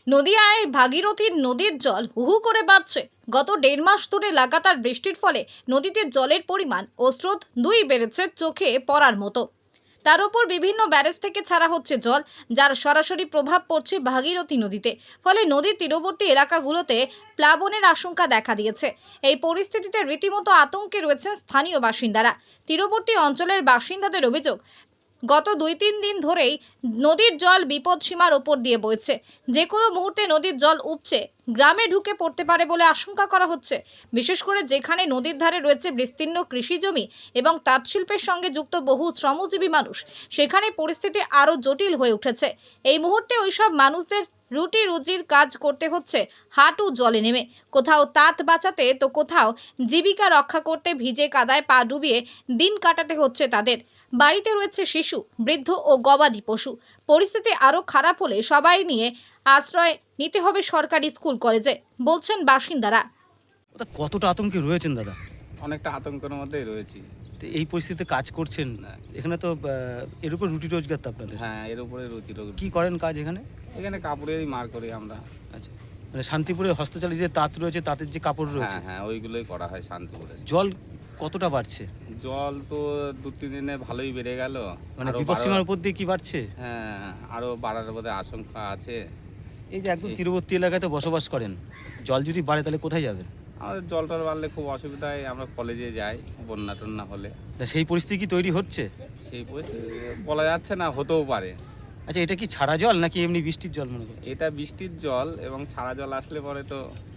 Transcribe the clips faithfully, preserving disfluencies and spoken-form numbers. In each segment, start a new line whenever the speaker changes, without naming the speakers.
নদিয়ায় ভাগীরথীর নদীর জল হু হু করে বাড়ছে। গত দেড় মাস ধরে লাগাতার বৃষ্টির ফলে নদীতে জলের পরিমাণ ও স্রোত দুই বেড়েছে চোখে পড়ার মতো। তার উপর বিভিন্ন ব্যারেজ থেকে ছাড়া হচ্ছে জল, যার সরাসরি প্রভাব পড়ছে ভাগীরথী নদীতে। ফলে নদীর তীরবর্তী এলাকাগুলোতে প্লাবনের আশঙ্কা দেখা দিয়েছে। এই পরিস্থিতিতে রীতিমতো আতঙ্কে রয়েছেন স্থানীয় বাসিন্দারা। তীরবর্তী অঞ্চলের বাসিন্দাদের অভিযোগ, গত দুই তিন দিন ধরেই নদীর জল বিপদসীমার ওপর দিয়ে বইছে। যে কোনো মুহূর্তে নদীর জল উপচে গ্রামে ঢুকে পড়তে পারে বলে আশঙ্কা করা হচ্ছে। বিশেষ করে যেখানে নদীর ধারে রয়েছে বিস্তীর্ণ কৃষি জমি এবং তাঁত শিল্পের সঙ্গে যুক্ত বহু শ্রমজীবী মানুষ, সেখানে পরিস্থিতি আরও জটিল হয়ে উঠেছে। এই মুহূর্তে ওইসব মানুষদের রুটি রুজির কাজ করতে হচ্ছে হাঁটু জলে নেমে, কোথাও তাঁত বাঁচাতে তো কোথাও জীবিকা রক্ষা করতে ভিজে কাদায় পা ডুবিয়ে দিন কাটাতে হচ্ছে তাদের। বাড়িতে রয়েছে শিশু, বৃদ্ধ ও গবাদি পশু। পরিস্থিতি আরও খারাপ হলে সবাই নিয়ে আশ্রয় নিতে হবে সরকারি স্কুল কলেজে, বলছেন বাসিন্দারা।
তা কতটা আতঙ্কে রয়েছেন দাদা?
অনেকটা আতঙ্কের মধ্যেই রয়েছি।
তো এই পরিস্থিতিতে কাজ করছেন, এখানে তো আহ, এর উপর রুটি রোজগার তো আপনাদের।
হ্যাঁ, এর উপরে রুচি রোগ।
কি করেন কাজ এখানে?
এখানে কাপড়েরই মার করি আমরা।
আচ্ছা, মানে শান্তিপুরে হস্তচালিত যে তাঁত রয়েছে, তাঁতের যে কাপড় রয়েছে,
হ্যাঁ হ্যাঁ ওইগুলোই করা হয় শান্তিপুরে।
জল কতটা বাড়ছে?
জল তো দু তিন দিনে ভালোই বেড়ে গেল।
মানে
আরো
বিপদসীমার
বাড়ার-
উপর দিয়ে কি বাড়ছে?
হ্যাঁ, আরো বাড়ার বোধ আশঙ্কা আছে।
এই যে একদম তীরবর্তী এলাকায় তো বসবাস করেন, জল যদি বাড়ে তাহলে কোথায় যাবেন?
আমাদের জল টল বাড়লে খুব অসুবিধায় আমরা কলেজে যাই বন্যা টন্যা হলে।
তা সেই পরিস্থিতি কি তৈরি হচ্ছে?
সেই পরিস্থিতি বলা যাচ্ছে না, হতেও পারে।
আচ্ছা, এটা কি ছাড়া জল নাকি এমনি বৃষ্টির জল মনে করেন?
এটা বৃষ্টির জল এবং ছাড়া জল আসলে পরে তো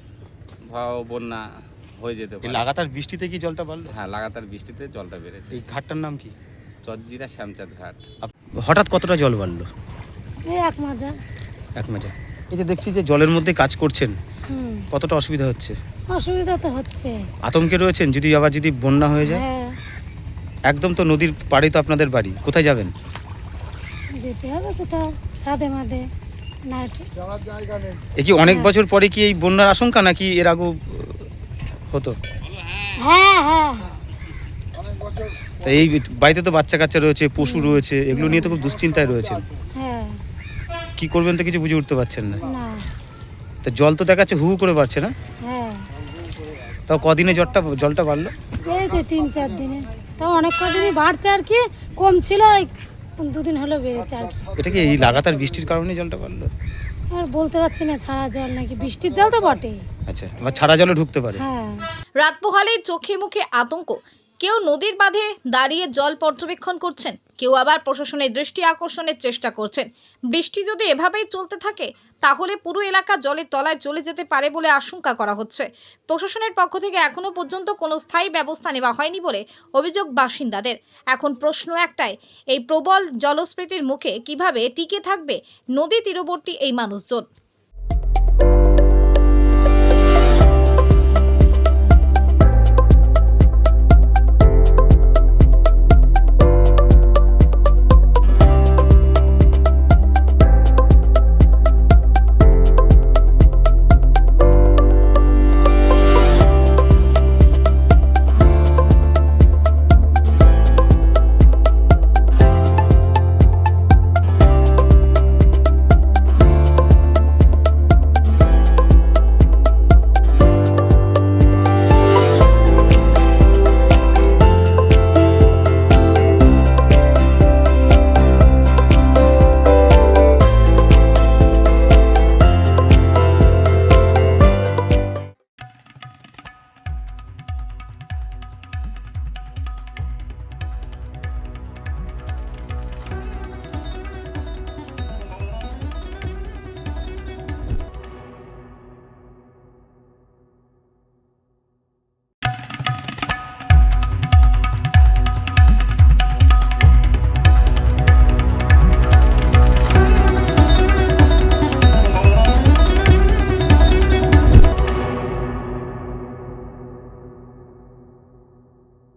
ভয়াবহ বন্যা হয়ে যেতে
এই
পারে।
লাগাতার বৃষ্টিতে কি জলটা বাড়লো?
হ্যাঁ, লাগাতার বৃষ্টিতে জলটা বেড়েছে।
এই ঘাটটার নাম কি?
চজ্জিরা শ্যামচাঁদ ঘাট।
আপ- হঠাৎ কতটা জল বাড়লো?
এই এক মাজা।
এক মাজা। এই যে দেখছি যে জলের মধ্যে কাজ করছেন,
হুম,
কতটা অসুবিধা হচ্ছে?
অসুবিধা তো হচ্ছে।
আতঙ্কে রয়েছেন যদি আবার যদি বন্যা হয়ে যায়?
হ্যাঁ,
একদম তো নদীর পাড়ে তো আপনাদের বাড়ি, কোথায় যাবেন?
যেতে হবে কোথাও ছাদে মাদে নাইট।
এ কি অনেক বছর পরে কি এই বন্যার আশঙ্কা নাকি এর আগেও আহ, হতো?
হ্যাঁ হ্যাঁ,
তা এই বাড়িতে তো বাচ্চা কাচ্চা রয়েছে, পশু রয়েছে, এগুলো নিয়ে তো খুব দুশ্চিন্তায় রয়েছেন।
হ্যাঁ,
কি করবেন তো কিছু বুঝে উঠতে পারছেন না।
না,
তা জল তো দেখাচ্ছে হু হু করে বাড়ছে না?
হ্যাঁ,
তাও কদিনে জলটা জলটা বাড়লো?
এই তো তিন চার দিনে, তাও অনেক কদিনই বাড়ছে আর কি, কম ছিল এই দুদিন হলো বেড়েছে আর কি।
এটা কি এই লাগাতার বৃষ্টির কারণে জলটা বাড়লো?
আর বলতে পারছি না, ছাড়া জল নাকি বৃষ্টির জল তো বটেই।
আচ্ছা, আবার ছাড়া জলে ঢুকতে পারে।
হ্যাঁ,
রাত পোহালেই চোখে মুখে আতঙ্ক। কেউ নদীর বাঁধে দাঁড়িয়ে জল পর্যবেক্ষণ করছেন, কেউ আবার প্রশাসনের দৃষ্টি আকর্ষণের চেষ্টা করছেন। বৃষ্টি যদি এভাবেই চলতে থাকে তাহলে পুরো এলাকা জলের তলায় চলে যেতে পারে বলে আশঙ্কা করা হচ্ছে। প্রশাসনের পক্ষ থেকে এখনো পর্যন্ত কোনো স্থায়ী ব্যবস্থা নেওয়া হয়নি বলে অভিযোগ বাসিন্দাদের। এখন প্রশ্ন একটাই, এই প্রবল জলস্ফীতির মুখে কিভাবে টিকে থাকবে নদী তীরবর্তী এই মানুষজন?